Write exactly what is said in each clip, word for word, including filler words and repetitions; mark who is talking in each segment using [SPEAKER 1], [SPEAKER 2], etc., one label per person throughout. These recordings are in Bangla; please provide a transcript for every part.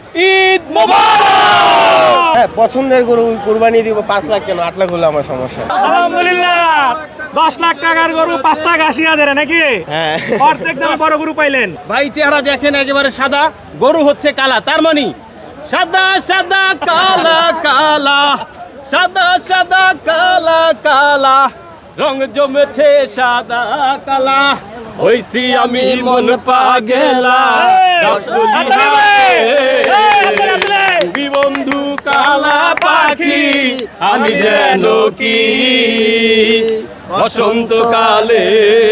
[SPEAKER 1] ঈদ মোবারক।
[SPEAKER 2] হ্যাঁ, পছন্দের গরু কুরবানি দিব। পাঁচ লাখ কেন, আট লাখ হলে আমার সমস্যা।
[SPEAKER 3] আলহামদুলিল্লাহ, দশ লাখ টাকার গরু পাঁচ লাখ আশি হাজারে নাকি?
[SPEAKER 2] হ্যাঁ,
[SPEAKER 3] অর্ধেক দামে বড় গরু পাইলেন।
[SPEAKER 1] ভাই চেহারা দেখেন একেবারে সাদা, গরু হচ্ছে কালা, তার মানে সাদা সাদা কালা কালা, সাদা সাদা কালা কালা, রং জমেছে সাদা কালা, হইছি আমি মন পাগেলা। বন্ধু কালা পাখি আমি যেন কি বসন্তকালে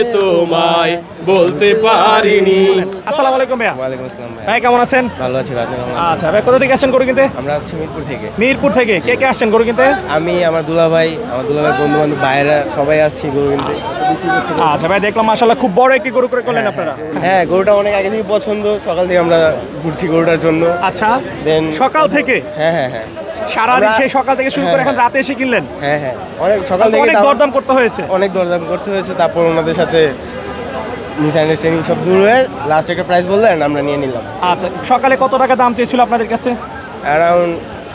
[SPEAKER 1] তোমায় বলতে পারিনি।
[SPEAKER 3] আসসালামু আলাইকুম ভাইয়া।
[SPEAKER 2] ওয়ালাইকুম আসসালাম ভাই।
[SPEAKER 3] ভাই কেমন আছেন?
[SPEAKER 2] ভালো আছি ভাই, আপনি কেমন আছেন?
[SPEAKER 3] আচ্ছা ভাই, কোথা থেকে আসছেন গরু কিনতে?
[SPEAKER 2] আমরা আসছি মিরপুর থেকে।
[SPEAKER 3] মিরপুর থেকে কে কে আসছেন গরু কিনতে?
[SPEAKER 2] আমি, আমার দুলাভাই, আমার দুলাভাই বন্ধু বান্ধব ভাইয়েরা সবাই আসছি গরু কিনতে।
[SPEAKER 3] আচ্ছা ভাই, দেখলাম মাশাআল্লাহ খুব বড় একটি গরু করে করলেন আপনারা।
[SPEAKER 2] হ্যাঁ, গরুটা অনেক আগে থেকে পছন্দ, সকাল থেকে আমরা ঘুরছি গরুটার জন্য।
[SPEAKER 3] আচ্ছা,
[SPEAKER 2] দেন
[SPEAKER 3] সকাল থেকে
[SPEAKER 2] হ্যাঁ হ্যাঁ হ্যাঁ
[SPEAKER 3] সারাদিন
[SPEAKER 2] আমরা-
[SPEAKER 3] সেই সকাল থেকে শুরু করে
[SPEAKER 2] হ্যাঁ,
[SPEAKER 3] এখন রাতে এসে কিনলেন?
[SPEAKER 2] হ্যাঁ হ্যাঁ অনেক সকাল থেকে
[SPEAKER 3] অনেক
[SPEAKER 2] দাম-
[SPEAKER 3] দরদাম করতে হয়েছে।
[SPEAKER 2] অনেক দরদাম করতে হয়েছে, তারপর ওনাদের সাথে মিসআন্ডারস্ট্যান্ডিং সব দূর হয়ে লাস্ট একটা প্রাইস বললেন, আমরা নিয়ে নিলাম।
[SPEAKER 3] আচ্ছা, সকালে কত টাকা দাম চেয়েছিল আপনাদের কাছে?
[SPEAKER 2] অ্যারাউন্ড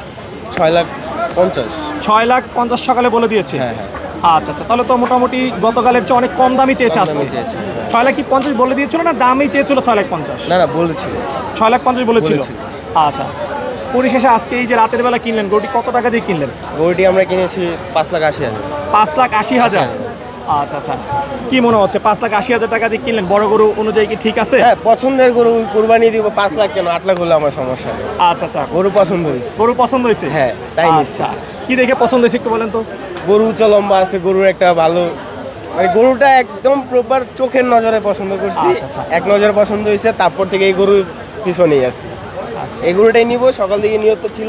[SPEAKER 2] ছয় লাখ পঞ্চাশ।
[SPEAKER 3] ছয় লাখ পঞ্চাশ সকালে বলে দিয়েছে।
[SPEAKER 2] হ্যাঁ হ্যাঁ
[SPEAKER 3] আচ্ছা আচ্ছা, তাহলে তো মোটামুটি গতকালের চেয়ে অনেক কম দামই চেয়েছে
[SPEAKER 2] কম
[SPEAKER 3] আজকে।
[SPEAKER 2] দামই চেয়েছে।
[SPEAKER 3] ছয় লাখ কি পঞ্চাশ বলে দিয়েছিল না দামই চেয়েছিল ছয় লাখ পঞ্চাশ?
[SPEAKER 2] না না বলেছিল।
[SPEAKER 3] ছয় লাখ পঞ্চাশ বলেছিল।
[SPEAKER 2] বলেছিল।
[SPEAKER 3] আচ্ছা, পরিশেষে আজকে এই যে রাতের বেলা কিনলেন গরুটি কত টাকা দিয়ে কিনলেন?
[SPEAKER 2] গরুটি আমরা কিনেছি পাঁচ লাখ আশি হাজার।
[SPEAKER 3] পাঁচ লাখ আশি হাজার। আচ্ছা আচ্ছা, কি মনে হচ্ছে পাঁচ লাখ আশি হাজার টাকা দিয়ে কিনলেন, বড় গরু অনুযায়ী কি ঠিক আছে?
[SPEAKER 2] হ্যাঁ, পছন্দের গরু কুরবানি দিব। পাঁচ লাখ কেন, আট লাখ হলে আমার সমস্যা নেই।
[SPEAKER 3] আচ্ছা আচ্ছা,
[SPEAKER 2] গরু পছন্দ হয়েছে।
[SPEAKER 3] গরু পছন্দ হয়েছে?
[SPEAKER 2] হ্যাঁ, তাই নিচ্ছি।
[SPEAKER 3] আচ্ছা, কি দেখে পছন্দ হয়েছে একটু বলেন তো?
[SPEAKER 2] গরু উচ্চ লম্বা আছে, গরুর একটা ভালো মানে গরুটা একদম প্রপার চোখের নজরে পছন্দ করছি।
[SPEAKER 3] আচ্ছা, আচ্ছা।
[SPEAKER 2] এক নজরে পছন্দ হয়েছে, তারপর থেকে এই গরু পিছনেই আছে। এই গরুটাই নিব, সকাল থেকে নিয়ত ছিল।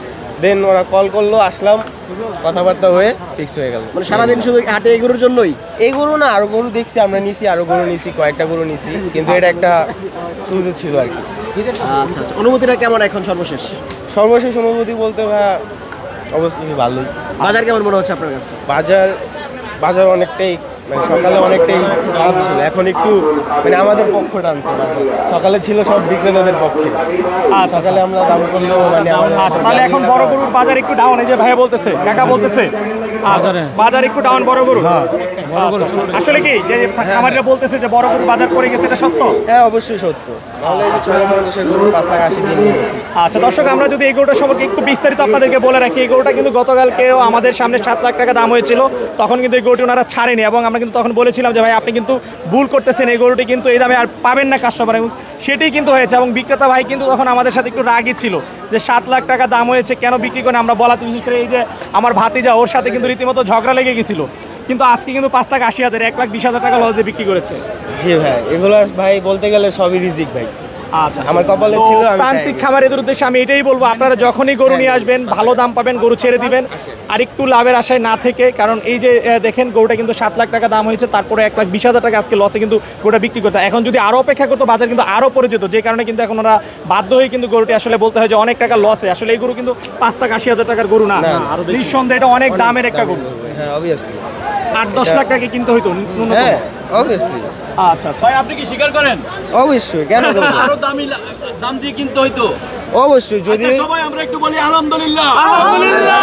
[SPEAKER 2] দেন ওরা কল করলো, আসলাম, কথাবার্তা হয়ে ফিক্সড হয়ে গেল।
[SPEAKER 1] মানে সারাদিন শুধু হাটে এই গরুর জন্যই?
[SPEAKER 2] এই গরু না, আরো গরু দেখছি, আমরা নিছি, আরো গরু নিছি, কয়েকটা গরু নিছি, কিন্তু এটা একটা সুযোগ ছিল আর কি।
[SPEAKER 1] আচ্ছা আচ্ছা, অনুভূতিটা কেমন এখন সর্বশেষ?
[SPEAKER 2] সর্বশেষ অনুভূতি বলতে ভাই অবশ্যই ভালোই।
[SPEAKER 1] বাজার কেমন মনে হচ্ছে আপনার কাছে?
[SPEAKER 2] বাজার বাজার অনেকটাই মানে সকালে অনেকটাই খারাপ ছিল, এখন একটু মানে আমাদের পক্ষ টানছে বাজার। সকালে ছিল সব বিক্রেতাদের পক্ষে,
[SPEAKER 3] আচ্ছা,
[SPEAKER 2] সকালে আমরা দাম করলেও মানে আমাদের
[SPEAKER 3] আচ্ছা, তাহলে এখন বড় গরুর বাজার একটু ডাউন, এই যে ভাইয়া বলতেছে, কাকা বলতেছে আচ্ছা, বাজার একটু ডাউন বড় গরু। আচ্ছা, আসলে কি যে খামারিরা বলতেছে যে বড় গরুর বাজার পড়ে গেছে, এটা সত্য?
[SPEAKER 2] হ্যাঁ অবশ্যই সত্য, নাহলে এই যে ছয় লাখ পঞ্চাশের গরু পাঁচ লাখ আশি দিয়ে নিয়ে গেছি।
[SPEAKER 3] আচ্ছা দর্শক, আমরা যদি এই গরুটা সম্পর্কে একটু বিস্তারিত আপনাদেরকে বলে রাখি, এই গরুটা কিন্তু গতকালকেও আমাদের সামনে সাত লাখ টাকা দাম হয়েছিল, তখন কিন্তু এই গরুটি ওনারা ছাড়েনি, এবং আমরা কিন্তু তখন বলেছিলাম যে ভাই আপনি কিন্তু ভুল করতেছেন, এই গরুটি কিন্তু এই দামে আর পাবেন না কাস্টমার, এবং সেটাই কিন্তু হয়েছে। এবং বিক্রেতা ভাই কিন্তু তখন আমাদের সাথে একটু রাগই ছিল যে সাত লাখ টাকা দাম হয়েছে কেন বিক্রি করে আমরা বলাতে, বিশেষ করে এই যে আমার ভাতিজা, ওর সাথে কিন্তু রীতিমতো ঝগড়া লেগে গেছিল, কিন্তু আজকে কিন্তু পাঁচ লাখ আশি হাজার এক লাখ বিশ হাজার টাকা লস দিয়ে বিক্রি করেছে।
[SPEAKER 2] জি ভাই, এগুলো ভাই বলতে গেলে সবই রিজিক ভাই।
[SPEAKER 3] আচ্ছা,
[SPEAKER 2] আমার কপালে
[SPEAKER 3] তো
[SPEAKER 2] ছিল, আমি
[SPEAKER 3] প্রান্তিক
[SPEAKER 2] পেয়ে
[SPEAKER 3] খামারিদের উদ্দেশ্যে আমি এটাই বলবো, আপনারা যখনই গরু নিয়ে আসবেন ভালো দাম পাবেন, গরু ছেড়ে দিবেন, আর একটু লাভের আশায় না থেকে, কারণ এই যে আহ, দেখেন গরুটা কিন্তু সাত লাখ টাকা দাম হয়েছে, তারপরে এক লাখ বিশ হাজার টাকা আজকে লসে কিন্তু গরুটা বিক্রি করতে, এখন যদি আরও অপেক্ষা করতো বাজার কিন্তু আরও পড়ে যেত, যে কারণে কিন্তু এখন ওরা বাধ্য হয়ে কিন্তু গরুটি আসলে বলতে হয় যে অনেক টাকা লসে। আসলে এই গরু কিন্তু পাঁচ লাখ আশি হাজার টাকার গরু না,
[SPEAKER 2] না,
[SPEAKER 3] নিঃসন্দেহে এটা অনেক দামের একটা গরু,
[SPEAKER 2] হ্যাঁ অবভিয়াসলি
[SPEAKER 3] আট দশ লাখ টাকা কিনতে হইতো ন্যূনতম।
[SPEAKER 2] হ্যাঁ অবভিয়াসলি।
[SPEAKER 3] আচ্ছা আচ্ছা,
[SPEAKER 1] ভাই আপনি কি স্বীকার করেন
[SPEAKER 2] অবশ্যই, কেন বলবো?
[SPEAKER 1] আরো দামি দাম দিয়ে কিনতে হইতো?
[SPEAKER 2] অবশ্যই, যদি
[SPEAKER 1] সবাই আমরা একটু বলি আলহামদুলিল্লাহ।
[SPEAKER 3] আলহামদুলিল্লাহ,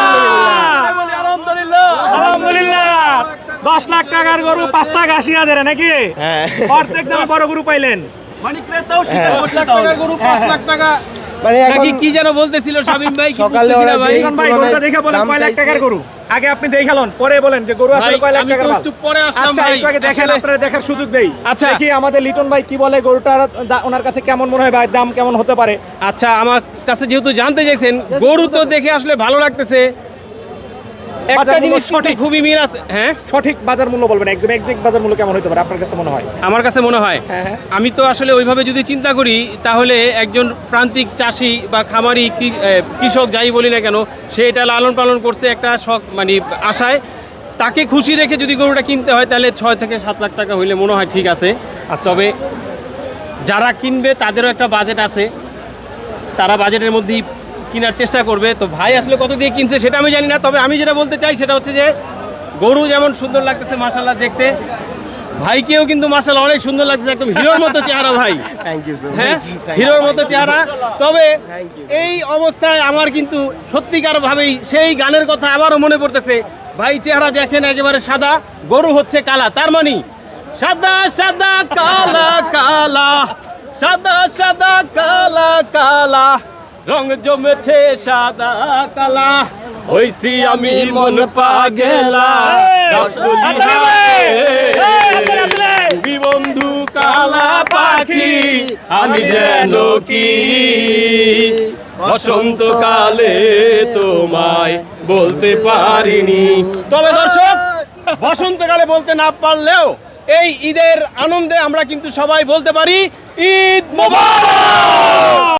[SPEAKER 1] বলি আলহামদুলিল্লাহ।
[SPEAKER 3] আলহামদুলিল্লাহ, দশ লাখ টাকার গরু পাঁচ লাখ আশি হাজারে নাকি?
[SPEAKER 2] হ্যাঁ
[SPEAKER 3] অর্ধেক দামে বড় গরু পাইলেন।
[SPEAKER 1] মানে ক্রেতাও স্বীকার করছে টাকার গরু পাঁচ লাখ টাকা
[SPEAKER 2] মানে এখন
[SPEAKER 1] নাকি কি যেন বলতেছিল শামিম ভাই, কি
[SPEAKER 2] সকালে
[SPEAKER 1] বুঝতেছি না
[SPEAKER 2] ওরা
[SPEAKER 1] ভাই।
[SPEAKER 2] যে-
[SPEAKER 3] এখন ভাই গরুটা দেখে বলেন
[SPEAKER 2] দাম
[SPEAKER 3] কয় লাখ
[SPEAKER 2] চাইছে।
[SPEAKER 3] টাকার গরু, আগে আপনি দেখালেন পরে বলেন যে গরু আসলে
[SPEAKER 1] ভাই,
[SPEAKER 3] কয় লাখ
[SPEAKER 1] আমি
[SPEAKER 3] টাকার
[SPEAKER 1] তো
[SPEAKER 3] মাল।
[SPEAKER 1] একটু পরে আসলাম
[SPEAKER 3] আচ্ছা,
[SPEAKER 1] ভাই।
[SPEAKER 3] একটু আগে দেখেন,
[SPEAKER 1] আসলে-
[SPEAKER 3] আপনারা দেখার সুযোগ দেই।
[SPEAKER 1] আচ্ছা।
[SPEAKER 3] দেখি আমাদের লিটন ভাই কি বলে, গরুটার দা- ওনার কাছে কেমন মনে হয় ভাই, দাম কেমন হতে পারে?
[SPEAKER 1] আচ্ছা, আমার কাছে যেহেতু জানতে চাইছেন, গরু তো দেখে আসলে ভালো লাগতেছে, একটা
[SPEAKER 3] বাজার মূল্য
[SPEAKER 1] জিনিস
[SPEAKER 3] সঠিক।
[SPEAKER 1] সঠিক খুবই মিল আছে। হ্যাঁ,
[SPEAKER 3] সঠিক বাজার মূল্য বলবেন, একদম এক্সাক্ট বাজার মূল্য কেমন হতে পারে আপনার কাছে মনে হয়?
[SPEAKER 1] আমার কাছে মনে হয়,
[SPEAKER 3] হ্যাঁ, হ্যাঁ।
[SPEAKER 1] আমি তো আসলে ওইভাবে যদি চিন্তা করি, তাহলে একজন প্রান্তিক চাষি বা খামারি কৃ- এ, কৃষক যাই বলি না কেন, সে এটা লালন পালন করছে একটা শখ মানে আশায়, তাকে খুশি রেখে যদি গরুটা কিনতে হয় তাহলে ছয় থেকে সাত লাখ টাকা হইলে মনে হয় ঠিক আছে। তবে যারা কিনবে তাদেরও একটা বাজেট আছে, তারা বাজেটের মধ্যেই কেনার চেষ্টা করবে। তো ভাই আসলে কত দিয়ে কিনছে সেটা আমি জানি না, তবে আমি যেটা বলতে চাই সেটা হচ্ছে যে গরু যেমন সুন্দর লাগতেছে মাশাআল্লাহ দেখতে, ভাইকেও কিন্তু মাশাআল্লাহ অনেক সুন্দর লাগছে, একদম হিরোর মতো চেহারা ভাই।
[SPEAKER 2] থ্যাংক ইউ সো
[SPEAKER 1] হ্যাঁ,
[SPEAKER 2] মাচ।
[SPEAKER 1] হিরোর মতো চেহারা। তবে
[SPEAKER 2] Thank you.
[SPEAKER 1] এই অবস্থায় আমার কিন্তু সত্যিকার ভাবেই সেই গানের কথা আবারও মনে পড়তেছে। ভাই চেহারা দেখেন একেবারে সাদা, গরু হচ্ছে কালা, তার মানে সাদা সাদা কালা কালা, সাদা সাদা কালা কালা, রং জমেছে সাদা কালা, হইছি আমি মন পাগেলা। তুমি বন্ধু কালা পাখি, আমি যেন কি বসন্তকালে তোমায় বলতে পারিনি। তবে দর্শক, বসন্তকালে বলতে না পারলেও এই ঈদের আনন্দে আমরা কিন্তু সবাই বলতে পারি ঈদ মোবারক।